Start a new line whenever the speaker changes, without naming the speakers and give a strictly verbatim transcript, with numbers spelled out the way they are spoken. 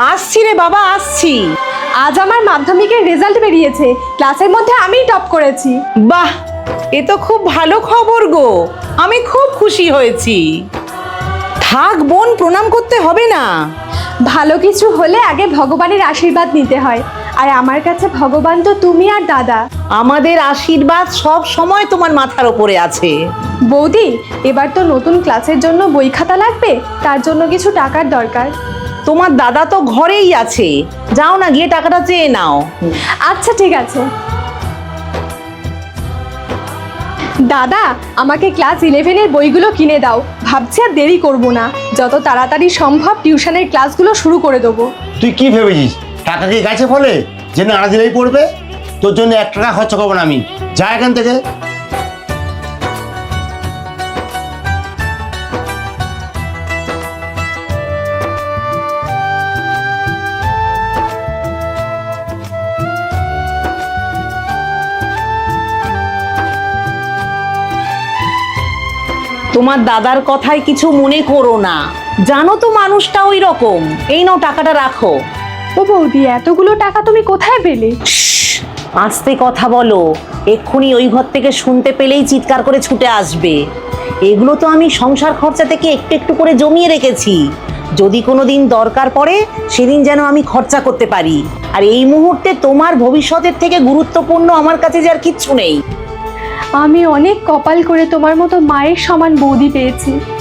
আসছি রে বাবা, আসছি।
আজ আমার মাধ্যমিকের রেজাল্ট বেরিয়েছে, ক্লাসের মধ্যে আমিই টপ করেছি।
বাহ, এ তো খুব ভালো খবর গো, আমি খুব খুশি হয়েছি। থাক বোন, প্রণাম করতে হবে না।
ভালো কিছু হলে আগে ভগবানের আশীর্বাদ নিতে হয়, আর আমার কাছে ভগবান তো তুমি আর দাদা।
আমাদের আশীর্বাদ সব সময় তোমার মাথার ওপরে আছে।
বৌদি, এবার তো নতুন ক্লাসের জন্য বই খাতা লাগবে, তার জন্য কিছু টাকার দরকার।
তোমার দাদা তো ঘরেই আছে, যাও না গিয়ে টাকাটা চেয়ে নাও।
আচ্ছা ঠিক আছে। দাদা, আমাকে ক্লাস ইলেভেনের বইগুলো কিনে দাও, ভাবছি আর দেরি করব না, যত তাড়াতাড়ি সম্ভব টিউশনের ক্লাসগুলো শুরু করে দেবো।
তুই কি ভেবেছিস টাকা কি গাছে ফলে যে না দিলেই পড়বে? তোর জন্য এক টাকা খরচা করবো না আমি, যা এখান থেকে।
তোমার দাদার কথায় কিছু মনে করো না, জানো তো মানুষটা ওই রকম। এই নাও টাকাটা রাখো।
ও বৌদি, এতগুলো টাকা তুমি কোথায় পেলে?
শ্শ্, আস্তে কথা বলো, এক্ষুনি ওই ঘর থেকে শুনতে পেলেই চিৎকার করে ছুটে আসবে। এগুলো তো আমি সংসার খরচা থেকে একটু একটু করে জমিয়ে রেখেছি, যদি কোনো দিন দরকার পড়ে সেদিন যেন আমি খরচা করতে পারি। আর এই মুহূর্তে তোমার ভবিষ্যতের থেকে গুরুত্বপূর্ণ আমার কাছে যে আর কিচ্ছু নেই।
আমি অনেক কপাল করে তোমার মতো মায়ের সমান বৌদি পেয়েছি।